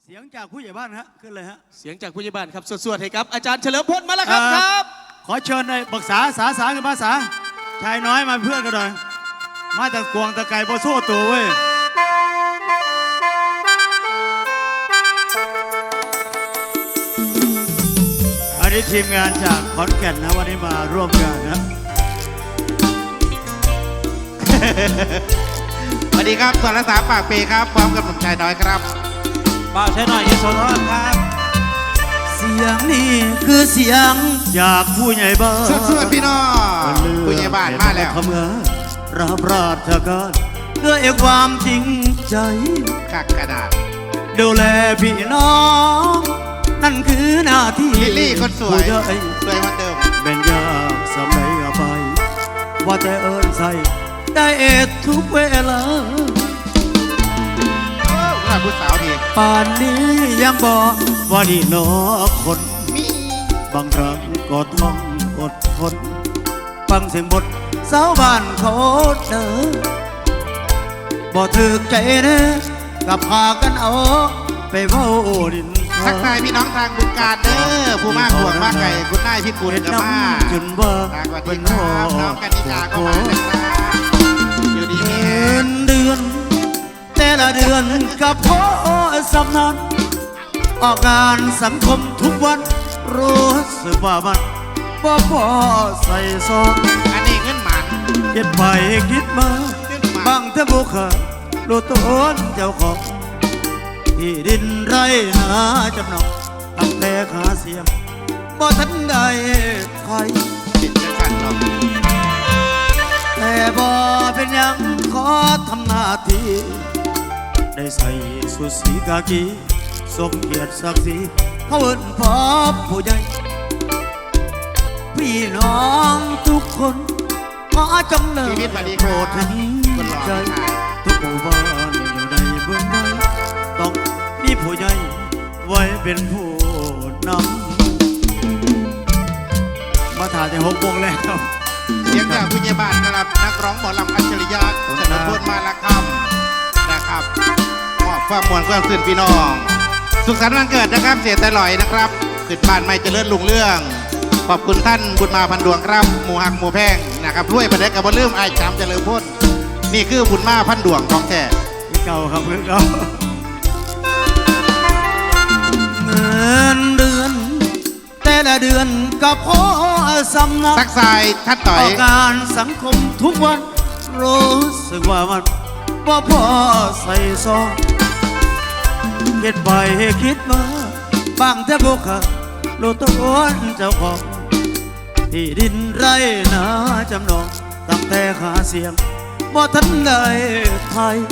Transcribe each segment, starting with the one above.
เสียงจากผู้ใหญ่บ้านฮะขึ้นเลยฮะเสียงจากผู้ใหญ่บ้านครับสวดๆให้ครับอาจารย์เฉลิมพลมาแล้วครับครับขอเชิญในปรึกษาสากับภาษาชายน้อยมาเพื่อนกันหน่อยมาจากกวงตะไก่โบโซ่ตัวเว้ยอันนี้ทีมงานจากขอนแก่นนะวันนี้มาร่วมงานนะสวัสดีครับสรษาปากเปครับพร้อมกับหนุ่มชายน้อยครับป้าใช้หน่อยที่โซนครับเสียงนี้คือเสียงจากผู้ใหญ่บ้านสวัสดีพี่น้องผู้ใหญ่บ้านมาแล้วทำงานรับราชการด้วยความจริงใจกักกระดาษดูแลพี่น้องนั่นคือหน้าที่ลิลลี่คนสวยสวยเหมือนเดิมเป็นยากสมัยอภัยว่าแต่เอิญใส่ได้เอ็ดทุกเวลาผู้สาวดีป่านนี้ยังบอกว่านี่นอคนบางครั้งก็ต้องอดทนฟังเสียงบทสาวบ้านเขาเด้อบ่ถึกใจเด้อกับพากันเอาไปเว้าดินทักทายพี่น้องทางบุญการเด้อผู้มากห่วงมากไก่คุณนายพี่กุลกับมาจนว่าเป็นน้องกันนิกาก็มาอยู่ดีมีเดือนแต่ละเดือนกับพ่อสำนักออกงานสังคมทุกวันรู้สึกว่ามันบ่พอใส่ซองอันนี้เงินหมันคิดไปคิดมาบางเท่าบุคคลรู้ตัวเจ้าของที่ดินไรนาจำนองตั้งแต่ขาเสียมบ่ทันได้ใครติดจะขัดหรอกแต่บ่เป็นยังขอทำหน้าที่ได้ใส่สุดสีกากีสมเกียรติศักดิ์ศรีเขาเอิ้นพ่อผู้ใหญ่พี่น้องทุกคนขอจงเลิกโปรดเห็นใจทุกหมู่บ้านอยู่ในเบื้องใดต้องมีผู้ใหญ่ไว้เป็นผู้นำมาถ่ายใน6 วงแล้วครับเสียงจากผู้ใหญ่บ้านนะครับนักร้องหมอลำอัจฉริยะเฉลิมพลมาละคำนะครับมอบความมวลความสื่นพี่น้องสุขสันต์วันเกิดนะครับเสียแต่ลอยนะครับขึ้นบ้านไม่เจริญรุ่งเรื่องขอบคุณท่านบุญมาพันดวงครับหมูหักหมูแพงนะครับรวยประเด็กกับบนเรื่องไอ้จามเจริญพ้นนี่คือบุญมาพันดวงของแท้เก่าครับเพื่อนเราเงินเดือนแต่ละเดือนกับพ่อสำนักสักสายทัดต่อยการสังคมทุกวันรู้สึกว่ามันบ่พอใส่ซองคิดไปคิดมาบางแต่บุคคลรู้ตัวเจ้าของที่ดินไรนาจำนองตั้งแต่ขาเสียมบ่ทันได้ไทย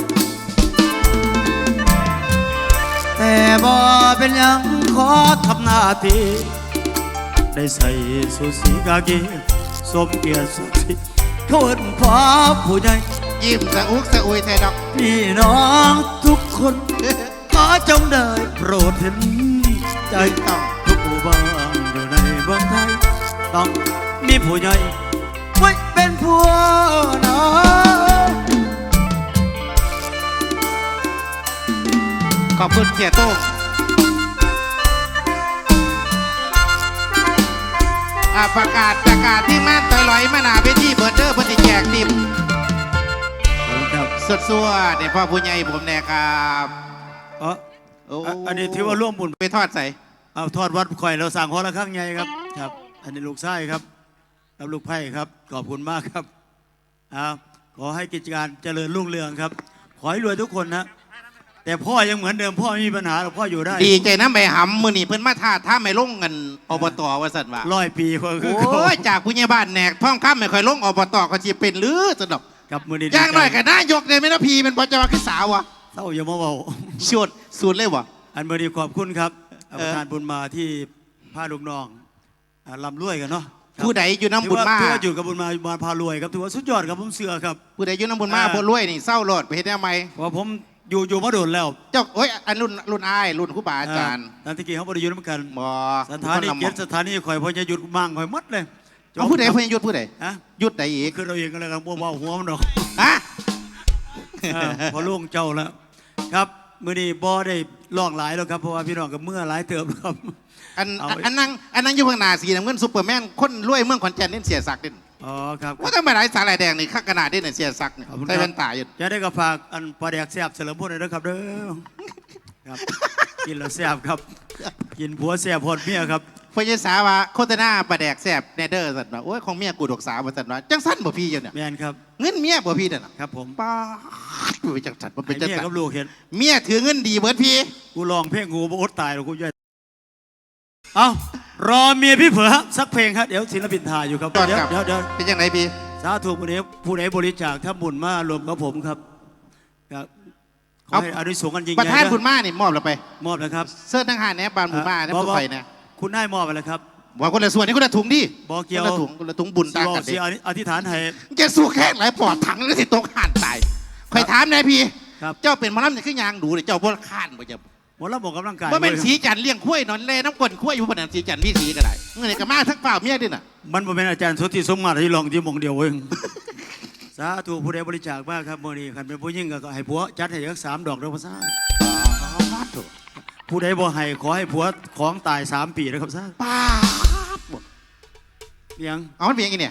แต่บ่เป็นยังขอทำหน้าที่ได้ใส่สุดสีกากีสมเกียรติศักดิ์ศรีเขาเอิ้นพ่อผู้ใหญ่ยิ้มสะอุกสะอุยแทดอกพี่น้องทุกคนขอจงได้โปรดเห็นใจต้องทุกหมู่บ้านอยู่ในเมืองไทยต้องมีผู้ใหญ่ไว้เป็นผู้นำขอบคุณเสียโต้งประกาศที่แม่ต่อยลอยมาหนาเวทีเบิร์ดเดอร์พอดีแจกติมสดซัวเนี่ยพ่อผู้ใหญ่ผมแน่ครับอันนี้ถือว่าร่วมบุญไปทอดใส่เอาทอดวัดข่อยเราสั่งหัวละข้างใหญ่ครับครับอันนี้ลูกไส้ครับรับลูกไผ่ครับขอบคุณมากครับขอให้กิจการเจริญรุ่งเรืองครับขอให้รวยทุกคนนะแต่พ่อยังเหมือนเดิมพ่อไม่มีปัญหาหรอกพ่ออยู่ได้ดีใจนะไปหำมือนี่เพิ่นมาท่าไม่ลงกันอบตว่าสัตว์ว่า 100 ปีโอ้ยจากผู้ใหญ่บ้านแหนกท่องข้ามไม่ค่อยลงอบตก็จะเป็นหรือสนุกกับมือดีย่างหน่อยกันนายกเนี่ยไม่น่าพีเป็นพอจะมาขึ้นสาววะเศร้าอย่ามาเบาชุดสูตรเลยวะอันมือดีขอบคุณครับประธานบุญมาที่พาลูกน้องลำรวยกันเนาะผู้ใดอยู่น้ำบุญมาถือว่าอยู่กับบุญมาพารวยครับถือว่าสุดยอดครับผมเสือครับผู้ใดอยู่น้ำบุญมาพารวยนี่เศร้าโลดไปเห็นได้ไหมว่าผมอยู่มาโดนแล้วเจ้าโอ้ยอันรุ่นอ้ายรุ่นครูบาอาจารย์นันทิกีเขาบริยุทธ์เหมือนกันสถานีเกียรติสถานีข่อยพอจะหยุดมั่งข่อยมัดเลยเอาผู้ใดพอจะหยุดผู้ใดหยุดไหนอีกคือเราเองก็เลยกันบัวหัวมันดอกฮะพอล่วงเจ้าแล้วครับมื้อนี้บ่ได้ร้องหลายแล้วครับเพราะว่าพี่น้องกับเมื่อหลายเติมครับอันเอาอันนั่งอยู่ข้างหน้าสีน้ำเงินซุปเปอร์แมนคนรวยเมืองขอนแก่นนี่เสียศักดิ์ดิอ๋อครับว่าทำไมหลายสาลายแดงนี่ข้างกระดาษนี่เนี่ยเสียศักดิ์เนี่ยขอบคุณคใส่รับแว่นตาอยู่จะได้กับฝากอันปลาแดกแซ่บเฉลิมพลเลยนะครับเด้อครับกินแล้วแซ่บครับ กินผัวแซ่บพอดเมียครับพญสาว่าโฆษณาปลาแดกแสบแนเดอร์สัตว์ว่าโอ้ยของเมียกูดอกสาวสัตว์ว่าจังสั้นบ่พี่อยู่เนี่ยแม่นครับเงินเมียบ่พี่เนี่ยนะครับผมป้าดไปจังสัตว์มันเป็นไอ้จังเมียสัตกับว์ลูกเห็นเมียถือเงินดีเบิร์ดพี่กูลองเพลงกูบ่อดตายหรอกกูย่อยเอารอเมียพี่เผลอสักเพลงครับเดี๋ยวศิลปินถ่ายอยู่ครับก่อนเดี๋ยวครับเดี๋ยวเป็นยังไงพี่สาธุผู้ใดบริจาคถ้าบุญมารวมกับผมครับครับขอให้อานุสงส์กันยิ่งใหประญ่ธานนะบุญมานี่มอบเราไปมอบนะครับเสื้อทั้งหาแหนบานบุญมาเนี่ยพวกไฟเนี่ยคุณนายมอบไปแล้วครับว่าคนละส่วนนี่คนละถุงดิบอกเกี่ยวคนละถุงบุญต่างกันสิดิอธิษฐานให้แกสู้แค่ไหนปอดถังแล้วสิตกห่านตายคอยถามนายพี่ครับเจ้าเป็นหมอลำเนี่ยคือยางดูเนี่ยเจ้าบ่ข้านบ่เจ้าหมดแล้วบอกกำลังกายว่าเป็นว้ยสีจันทร์เลี้ยงข้วยนอนเล่น้ำก้นข้วยอยู่บนนั้นสีจันทร์พี่สีก็ได้เงินกับมาทั้งเปล่าเมียดิน่ะมันบ่เป็นอาจารย์สุทธิสมมาตรที่ลองที่หมองเดียวเองสาธุผู้ใดบริจาคมากครับมื้อนี้คันเป็นผู้หญิงก็ให้ผัวจัดให้สัก3 ดอกเด้อพ่อซ่าผู้ใดบ่ให้ขอให้ผัวของตาย3 ปีนะครับซ่าป้าบเพียงเอามันเป็นยังไงเนี่ย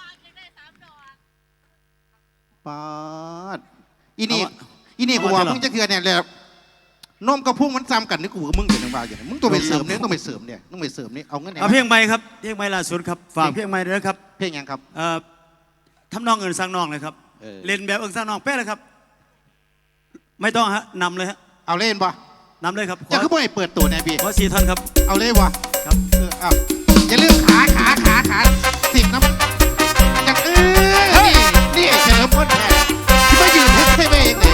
ป้าดอีนี่กูบอกมึงจะเถื่อนเนี่ยเลยนมกับพุ่งมันซ้ำกันนี่กูกับมึงอยู่ในบ้านอย่างมึงต้องไปเสริมเนี่ยต้องไปเสริมเนี่ยต้องไปเสริมนี่เอาเงินไหนเอาเพลงใหม่ครับเพลงใหม่ล่าสุดครับฝากเพลงใหม่ด้วยนะครับเพลงยังครับทำนองเอินสร้างนองเลยครับเออเล่นแบบเอินสร้างนองเป๊ะเลยครับ ไม่ต้องฮะนำเลยฮะเอาเล่นบ่นำเลยครับจะคือบ่ให้เปิดตัวเนี่ยพี่ขอ4 ท่านครับเอาเล่นบ่ครับเอาอย่าลืมขาสิบนะอย่างนี่เฉลิมพลแท้ที่มายืนให้ไปเองเลย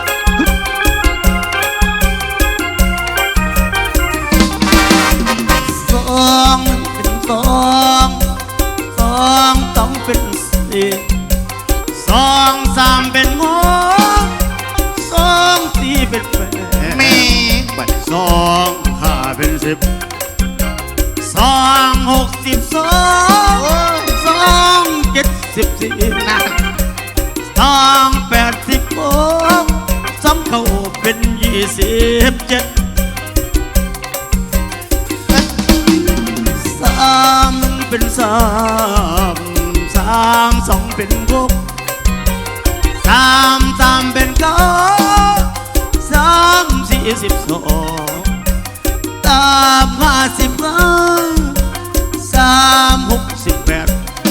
สองเป็นสองต้องเป็นสี่2 3เป็น6 2 4เป็น8 แม่บัด 2 5เป็น10 2 6 12 2 7 14 นะ 2 8 16 2เข้าเป็น27 3เป็น3 2เป็น6 3เป็น9 3 4 12 55 3 68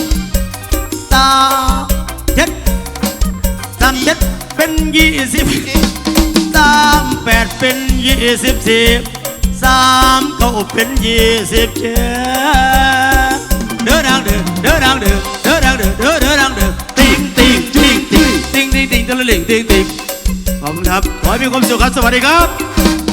7เป็น20 38เป็น24 3เข้าเป็น27เด้อดังเด้อเด้อดังเด้อเด้อดังเด้อเด้อเด้อดังเด้อติ๊งติ๊งติ๊งติ๊งติ๊งติ๊งติ๊งตะลิงติ๊งติ๊งขอบคุณครับขอให้มีความสุขครับสวัสดีครับ